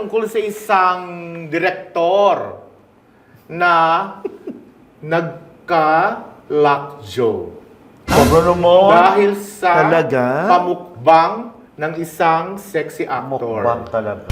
tungkol sa isang direktor na nagka-lockjaw. Sobra naman. Dahil sa Talaga? pamukbang ng isang sexy actor. Mukbang talaga.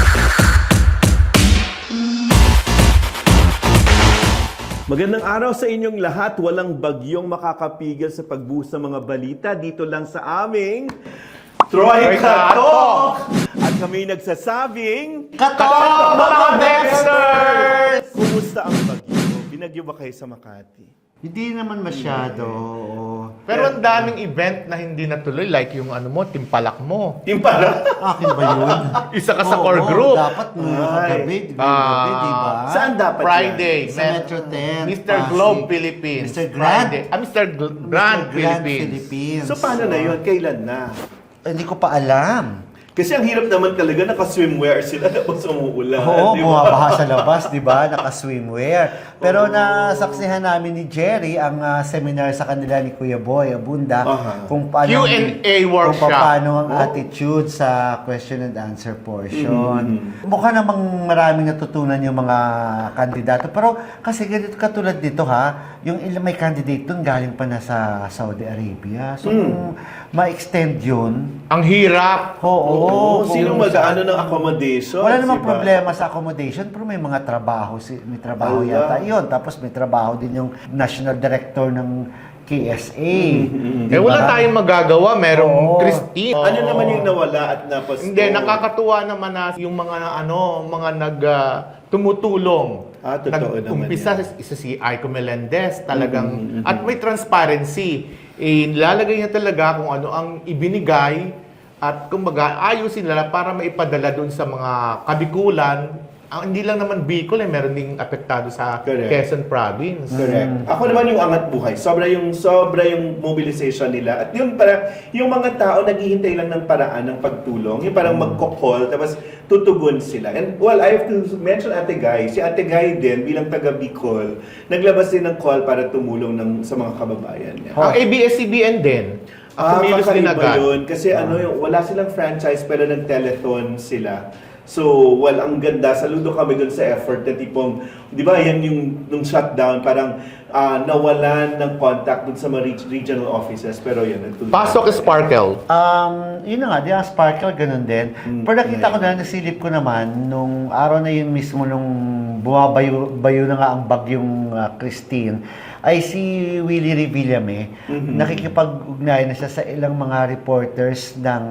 Magandang araw sa inyong lahat. Walang bagyong makakapigil sa pagbuhos ng mga balita dito lang sa aming Troy Katok! At kami nagsasabing Katok, mga Dexters! Kumusta ang bagyo? Binagyo ba kayo sa Makati? Hindi naman masyado. Pero ang daming event na hindi natuloy, like yung ano mo, timpalak mo. Yung para? Akin ba yun? Isa ka sa Oo, core group. Dapat nung kagabi, di ba? Saan dapat Friday. Sa Metro 10. Mr. Globe Philippines. Mr. Grand. Friday. Mr. Grand Philippines. Philippines. So paano na yun? Kailan na? Hindi ko pa alam. Kasi ang hirap naman talaga, naka-swimwear sila tapos umuulan. Oo, di ba? bumabaha sa labas, di ba? Naka-swimwear. Pero nasaksihan namin ni Jerry ang seminar sa kanila ni Kuya Boy Abunda kung paano Q&A workshop. Kung paano ang attitude sa question and answer portion. Mukha namang maraming natutunan yung mga kandidato. Pero kasi ganito katulad dito yung may candidate dun galing pa na sa Saudi Arabia. So kung ma-extend yun, Ang hirap. oo. Sino kung mag-ano ng accommodation? wala namang diba? problema sa accommodation, pero may mga trabaho. May trabaho yata yun. Tapos may trabaho din yung National Director ng KSA. Eh wala tayong magagawa. Merong Oo. Christine. Ano naman yung nawala at napasto? Hindi, nakakatuwa naman na yung mga tumutulong. Totoo naman Umpisa isa si Aiko Melendez talagang at may transparency. Nilalagay niya talaga kung ano ang ibinigay at kumbaga ayusin nila para maipadala doon sa mga kabikulan. Hindi lang naman Bicol, meron ding apektado sa Correct. Quezon Province. Correct. Ako naman yung angat buhay. Sobra yung mobilization nila. At yung mga tao naghihintay lang ng paraan ng pagtulong. Yung parang magko-call, tapos tutugon sila. And well, I have to mention Ate Guy. Si Ate Guy din, bilang taga Bicol, naglabas din ng call para tumulong sa mga kababayan niya. Ang ABS-CBN din. Kumilos din kakaiba agad. yun. Kasi wala silang franchise pero nag-telethon sila. So, ang ganda. Saludo kami dun sa effort na tipong, di ba, yan yung nung shutdown, parang nawalan ng contact dun sa mga regional offices. Pero yan, nagtuloy. Pasok Sparkle. Yun na nga, di ang Sparkle, ganun din. Pero nakita ko na, nasilip ko naman, nung araw na yun mismo, nung bumabayo na nga ang bagyong Christine, ay si Willie Revillame, nakikipag-ugnay na siya sa ilang mga reporters ng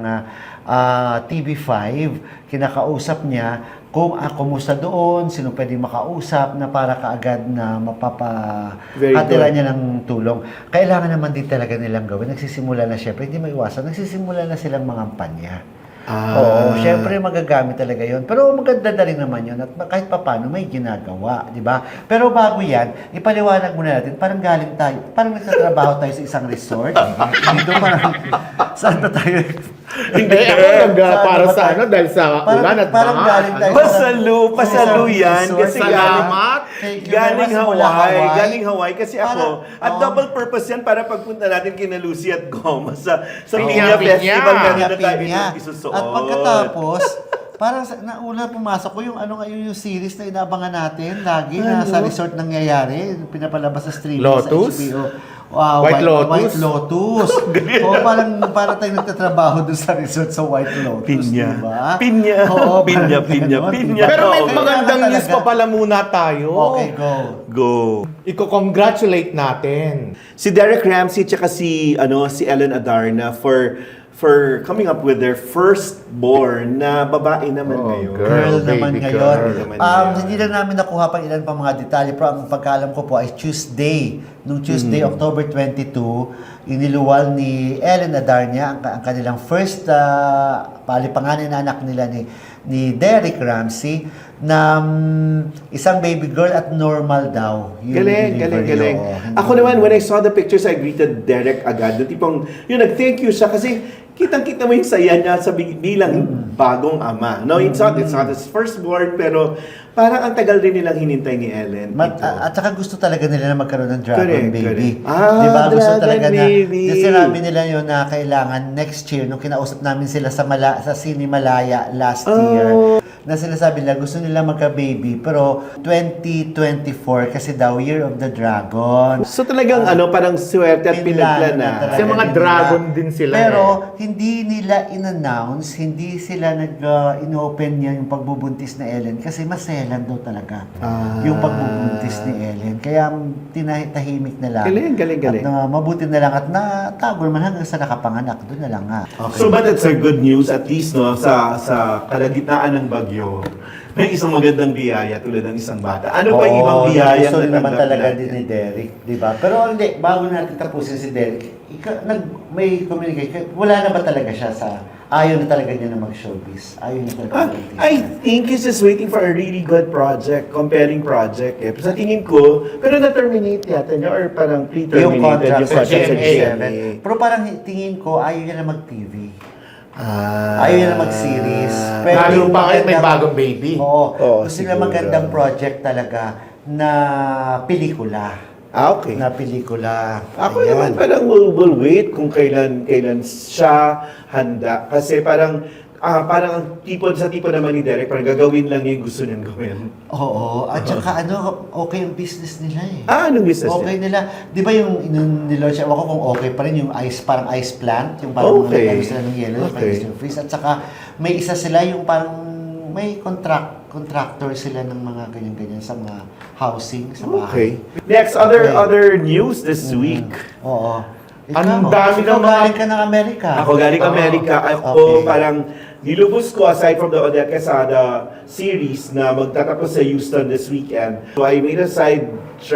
TV5, kinakausap niya kung kumusta doon, sino pwedeng makausap na para kaagad na mapapatira niya ng tulong. Kailangan naman din talaga nilang gawin. Nagsisimula na syempre, hindi maiwasan, nagsisimula na silang mangampanya. Oo, syempre magagamit talaga yon. Pero maganda na rin naman yun at kahit papano may ginagawa, di ba? Pero bago yan, ipaliwanag muna natin, parang galing tayo, parang nagtatrabaho tayo sa isang resort. Dito parang, saan na tayo? Hindi ako para sa ano dahil sa ulan at parang baha. galing tayo Pasalu yan. Kasi Salamat. Galing Hawaii. Galing Hawaii. Kasi ako, at double purpose yan para pagpunta natin kina Lucy at Goma sa Pinya, Pinya Festival. Pinya. Kanina tayo Pinya. isusuot. At pagkatapos, parang nauna pumasok ko yung series na inaabangan natin lagi na sa resort nangyayari, pinapalabas sa streaming Lotus? sa HBO. White Lotus? White Lotus. Para tayong nagtatrabaho doon sa resort sa White Lotus, Pinya. diba? Pinya. Oo, Pinya, parang pinya, ganon, pinya. diba? Pero may Oo. magandang Kailangan news pa talaga. pala muna tayo. Okay, go. Go. Iko-congratulate natin. Si Derek Ramsey tsaka si Ellen Adarna for coming up with their firstborn na babae naman ngayon. Girl naman baby ngayon. girl naman yan. Hindi lang namin nakuha pang ilan pa mga detalye, pero ang pagkaalam ko po ay Tuesday. Nung Tuesday, October 22, iniluwal ni Ellen Adarna ang kanilang first palipanganin na anak nila ni Derek Ramsey na isang baby girl at normal daw. Yung Galing. delivery. Ako naman, when I saw the pictures, I greeted Derek agad. Yung tipong, nag-thank you siya kasi kitang-kita mo yung saya niya sa bilang bagong ama. No, it's not his firstborn, pero parang ang tagal rin nilang hinintay ni Ellen. At saka gusto talaga nila na magkaroon ng dragon Correct, baby. correct. Di ba? Gusto Dragon talaga baby. na, sinabi nila yun na kailangan next year, nung kinausap namin sila sa Sini Malaya last year, na sinasabi nila gusto nila magka-baby pero 2024 kasi daw Year of the Dragon. So talagang parang swerte at pinagla na. talaga Kasi mga din dragon nila. din sila Pero hindi nila in-announce, hindi sila in-open yan yung pagbubuntis na Ellen kasi maselan daw talaga yung pagbubuntis ni Ellen. Kaya tinahimik na lang. Galing. At mabuti na lang at natago naman hanggang sa nakapanganak. Doon na lang nga. So but it's a good news at least no sa kalagitnaan ng bagyo. May isang magandang biyaya tulad ng isang bata. Ano pa yung ibang biyaya gusto na naman natanggap talaga natin? din ni Derek, di ba? Pero hindi, bago natin tapusin si Derek, may communication, wala na ba talaga siya sa, ayaw na talaga niya na mag-showbiz? Ayaw na talaga mag-artista? I think he's just waiting for a really good project, compelling project. Sa tingin ko, pero na-terminate yata niya or parang pre-terminated Yung contract sa sa GMA. GMA. Pero parang tingin ko, ayaw niya na mag-TV. Ayaw niya na mag-series. Pero Lalo yung pa ngayon may magandang- bagong baby. Oo. Gusto nila siguro. magandang project talaga na pelikula. Okay. Na pelikula. Ako Ayan. naman parang will wait kung kailan siya handa. Kasi parang ang tipo naman ni Derek, parang gagawin lang niya yung gusto niyang gawin. Oo. At saka okay yung business nila eh. Anong business Okay niya? nila. Di ba yung nilaunch, ako kung okay pa rin yung parang ice plant, yung parang Okay. ano sila ng yellow, Okay. yung freeze. At saka may isa sila yung parang may contractor sila ng mga ganyan-ganyan sa mga housing, sa bahay. Okay. Next, other news this week. Oo. Ang dami ikaw ng mga- galing ka ng Amerika. Ako galing Amerika. Ako Okay. parang nilubos ko aside from the Odette Quesada series na magtatapos sa Houston this weekend. So I made a side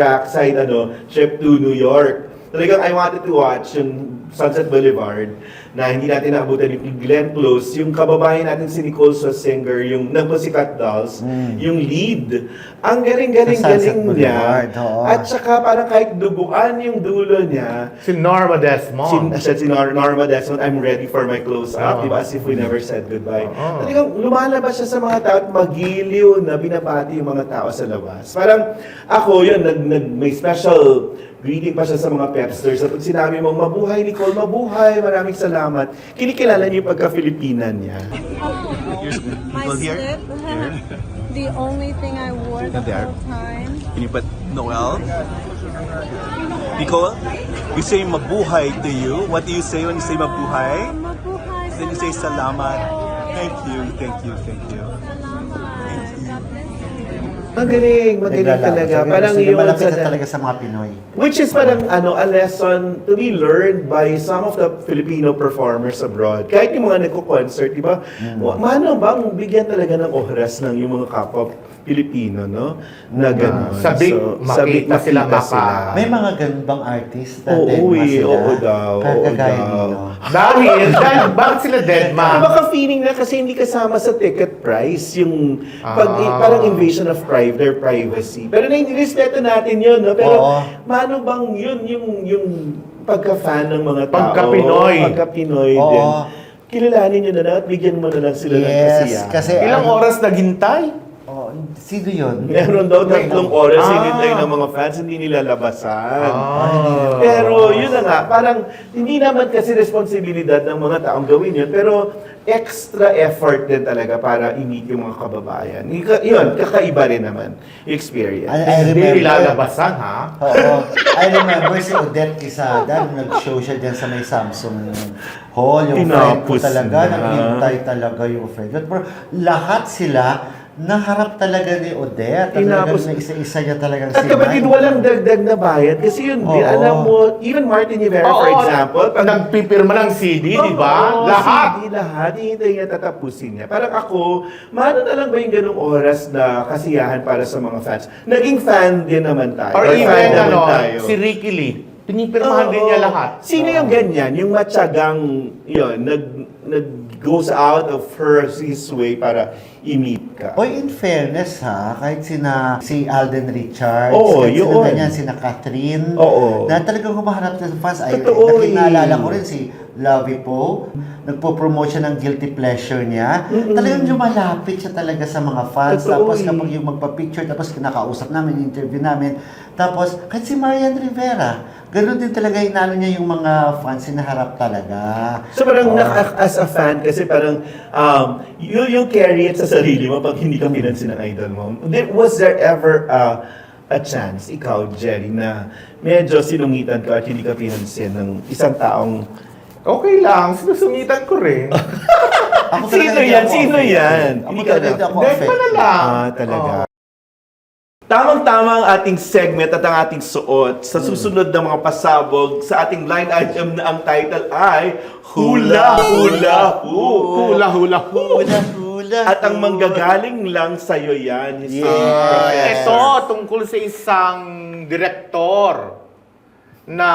trip to New York. Talagang I wanted to watch yung Sunset Boulevard na hindi natin naabutan yung Glenn Close, yung kababayan natin si Nicole Scherzinger, yung nag-Pussycat Dolls, yung lead. Ang galing-galing Sa Sunset niya. Boulevard, oo. At saka parang kahit duguan yung dulo niya, Si Norma Desmond. si Norma Desmond, I'm ready for my close-up, Oo. di ba? As if we never said goodbye. Oo. Talagang lumalabas siya sa mga tao at magiliw na binabati yung mga tao sa labas. Parang ako yun, may special greeting pa siya sa mga pepsters. At pag sinabi mong, mabuhay Nicole, mabuhay, maraming salamat. Kinikilala niyo yung pagka-Filipinan niya. My slip, the only thing I wore the whole time. Can you put Noel? Nicole, you say mabuhay to you. What do you say when you say mabuhay? Mabuhay. Then you say salamat. Thank you. Magaling talaga. Parang yun. yun. Malapit na talaga sa mga Pinoy. Which is parang a lesson to be learned by some of the Filipino performers abroad. Kahit yung mga nagko-concert, di ba? Mano bang bigyan talaga ng oras ng yung mga kapwa Pilipino, no? Na gano'n. Sabik, makita sila May mga ganun bang artist na Oo, deadma sila? oo daw, oo Kagaya daw. ninyo. Dahil bakit sila dead ma? Baka feeling na kasi hindi kasama sa ticket price yung parang invasion of their privacy. Pero nairespeto natin yun, no? Pero Oo. mano bang yun yung pagka-fan ng mga tao? Pagka-Pinoy. Pagka-Pinoy Oo. din. Kilalanin nyo na lang at bigyan mo na lang sila ng kasiyahan. kasi Ilang oras naghintay? sino yun? Meron daw 3 oras Ah. hinintay ng mga fans, hindi nila labasan. Ah. Pero yun na nga, parang hindi naman kasi responsibilidad ng mga taong gawin yun, pero extra effort din talaga para i-meet yung mga kababayan. Yun, kakaiba rin naman yung experience. I Hindi remember. ilalabasan ha? Oo. I remember si Odette Quesada, nung nag-show siya dyan sa may Samsung Hall. Yung friend ko Tinapos talaga, na. naghintay talaga yung friend. Pero lahat sila, naharap talaga ni Odette. Talagang Tinapos. na isa-isa niya talagang At kapatid, walang dagdag na bayad. Kasi yun, Oo. alam mo, even Martin Rivera, for example, pag nagpipirma ng CD, di ba? Oo, Lahat. CD, lahat. Hihintay niya, tatapusin niya. Parang ako, mano na lang ba yung ganung oras na kasiyahan para sa mga fans? Naging fan din naman tayo. Or Fan even naman tayo. si Ricky Lee. Pinipirmahan din niya Oo. lahat. Sino yung ganyan? Yung matyagang, yun, goes out of his way para i-meet ka. Oy, in fairness ha, kahit si Alden Richards, Oo, kahit yun. sino ganyan, sina Catherine, Oo. na talagang humaharap sa fans. Ay, Totoo nakinaalala eh. ko rin si Lovie Poe, nagpo-promote siya ng guilty pleasure niya. Talagang lumalapit siya talaga sa mga fans. Totoo Tapos eh. kapag yung magpa-picture, tapos kinakausap namin, interview namin. Tapos, kahit si Marian Rivera, ganun din talaga inalo niya yung mga fans, hinaharap talaga. So parang Oo. as a fan, kasi parang yung carry it sa sarili mo pag hindi ka pinansin ng idol mo? Was there ever a chance, ikaw, Jerry, na medyo sinungitan ka at hindi ka pinansin ng isang taong... Okay lang, sinusungitan ko rin. Ako talaga Sino hindi yan? ako Sino affected. yan? Ako Hindi talaga ka hindi ako Hindi pa na affected. lang. Talaga. Oo. Tamang-tama ang ating segment at ang ating suot. Sa susunod na mga pasabog, sa ating line item na ang title ay Hula Hula Hu. Hula, hula, hula. Hula. At ang manggagaling lang sa'yo yan. Ito, tungkol sa isang direktor na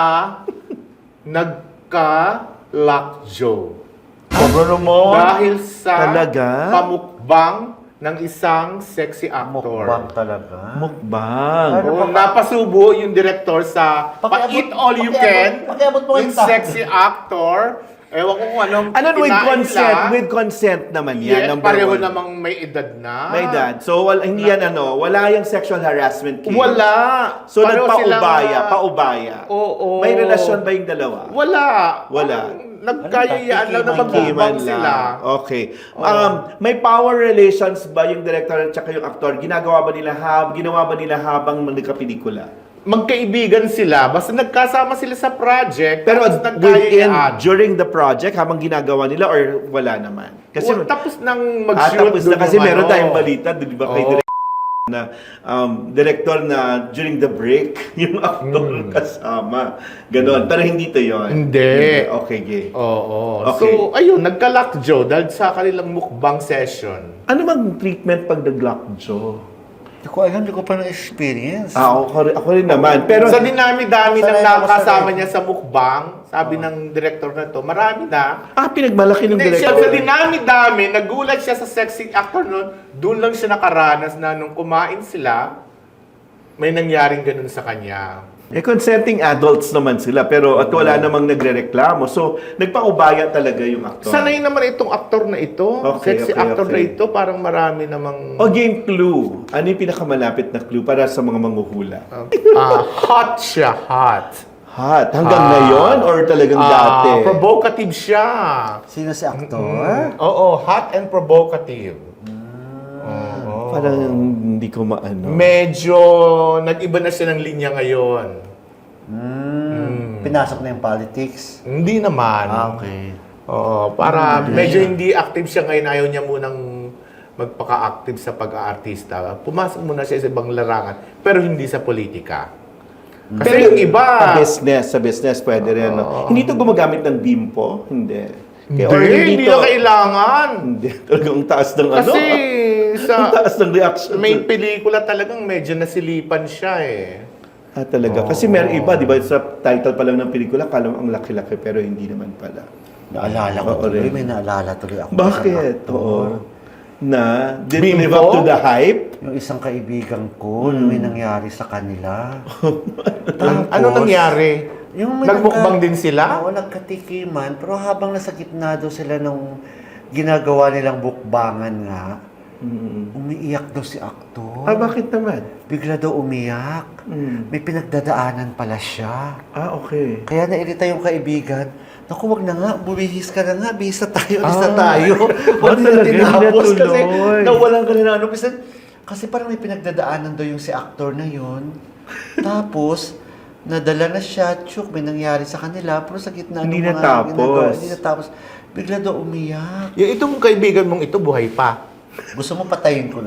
nagka-lockjaw. Sobrang mo. Dahil sa Talaga? pamukbang ng isang sexy actor. Mukbang talaga. Mukbang. Oo, napasubo yung director sa Pa-Eat All You Can. Pakiabot mo Yung yung sexy actor. Ewan ko kung anong Ano with kinain consent? nila. With consent naman yan. Yes, number pareho one. namang may edad na. May dad. So, hindi yan wala yung sexual harassment case. Wala. So, Pareho nagpaubaya, silang- paubaya. Oo. May relasyon ba yung dalawa? Wala. Wala. Nagkayayaan lang na Tikiman magkibang sila. Okay. May power relations ba yung director at saka yung actor? Ginawa ba nila habang nagkapelikula? Magkaibigan sila. Basta nagkasama sila sa project. Pero tapos within, nagkayayaan. during the project, habang ginagawa nila or wala naman? Kasi, Tapos nang mag-shoot tapos na dun kasi yung meron ano. tayong balita, di ba, kay Oo. director na director na during the break, yung actor kasama. Ganon. Pero hindi to yun. Hindi. Okay, gay. Oo. Okay. So, ayun, nagka-lockjaw dahil sa kanilang mukbang session. Ano bang treatment pag nag-lockjaw? Hindi ko alam, hindi ko pa na-experience. Ako rin naman. Pero, Sa dinami-dami ng Sanay ako nakasama sanay. niya sa mukbang, sabi ng director na to, marami na. pinagmalaki ng Hindi siya, director. sa dinami-dami, nagulat siya sa sexy actor noon, doon lang siya nakaranas na nung kumain sila, may nangyaring ganun sa kanya. Consenting adults naman sila, pero at wala namang nagrereklamo. So, nagpaubaya talaga yung actor. Sanay naman itong actor na ito, Okay, sexy okay, actor okay. na ito, parang marami namang... O game clue. Ano yung pinakamalapit na clue para sa mga manghuhula? hot siya, hot. Hot. Hanggang ngayon or talagang dati? Provocative siya. Sino si actor? Oo, hot and provocative. Oo. Parang hindi ko maano. Medyo nag-iba na siya ng linya ngayon. Pinasok na yung politics. Hindi naman. Okay. Oo, para medyo hindi active siya ngayon. Ayaw niya munang magpaka-active sa pag-aartista. Pumasok muna siya sa ibang larangan, pero hindi sa politika. Kasi yung iba... Sa business, pwede rin. No? Hindi to gumagamit ng bimpo? Hindi. Hindi, Or hindi to- na kailangan. Hindi. Talagang taas ng Kasi Ang sa taas ng reaction. may pelikula talagang medyo nasilipan siya eh. Talaga. Kasi meron iba, di ba, sa title pa lang ng pelikula, kala mo ang laki-laki, pero hindi naman pala. Naalala ko Oo, tuloy, rin. may naalala tuloy ako. Bakit? Isang actor. Oo. Na, did Bimbo? live up to the hype? Yung isang kaibigan ko, na may nangyari sa kanila. Ano nangyari? Yung may Nagmukbang din sila? Oo, nagkatikiman. Pero habang nasa gitna daw sila nung ginagawa nilang bukbangan nga, umiiyak daw si aktor. Bakit naman? Bigla daw umiyak. May pinagdadaanan pala siya. Okay. Kaya nairita yung kaibigan. Naku, wag na nga, bumihis ka na nga, bihis na tayo, alis na tayo. Wag na talaga, tinapos hindi kasi natuloy. nawalan ka na ng ano. Kasi parang may pinagdadaanan daw yung si actor na yun. Tapos, nadala na siya, tsuk, may nangyari sa kanila, pero sa gitna Hindi ng mga natapos. ginagawa, hindi natapos. Bigla daw umiyak. Yung itong kaibigan mong ito, buhay pa. Gusto mo patayin ko na?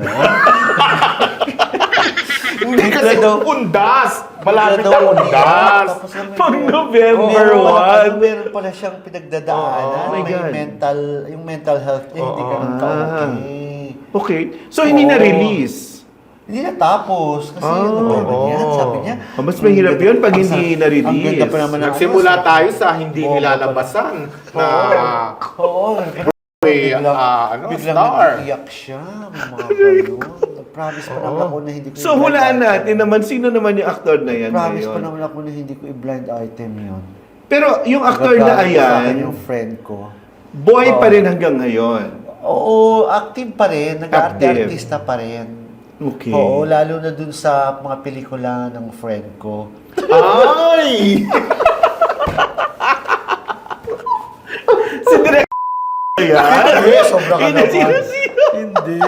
Hindi kasi daw- undas. Malapit Bigla na daw undas. umiyak. Tapos Pag November Oo, 1. meron pala siyang pinagdadaanan. Oh my may God. yung mental health niya, hindi ganun ka-okay. Okay. So, hindi Oo. na-release? Hindi natapos. Kasi ano ba naman yan? Sabi niya. Mas mahirap yun pag ang hindi sa- na-release. Ang ganda pa naman ng Nagsimula ano, tayo sa hindi Oo, nilalabasan na Oo. may Biglang star. nag-iyak siya. Mga ganun. Nag-promise pa naman ako na hindi ko So, hulaan natin naman, sino naman yung actor na yan Promise pa ngayon? naman ako na hindi ko i-blind item yun. Pero yung actor na Nag-promise sa akin ayan, yung friend ko. boy pa rin hanggang ngayon. Oo, active pa rin. Active. Nag-artista pa rin. Okay. Oo, lalo na dun sa mga pelikula ng friend ko. Ay! Si Direk yan? Eh, sobra ka Hindi, naman. sino? Hindi.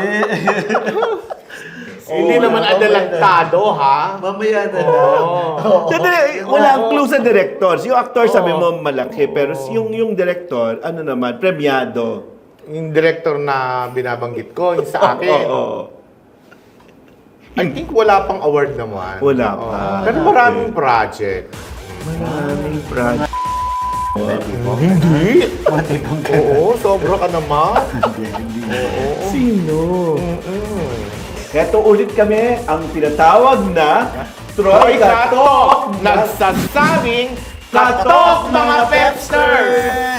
Hindi naman adalantado, ha? Mamaya na lang. Oo. Wala ang clue sa directors. Yung actor sabi mo malaki, pero yung director, ano naman, premiado. Yung director na binabanggit ko, yung sa akin. Oo. I think wala pang award naman. Wala pa. Oo. Pero maraming project. Maraming project. Hindi. Matipong ka. Oo, sobra ka naman. Sino? Eto ulit kami ang tinatawag na Troy Katok! Nagsasabing Katok mga Pepsters!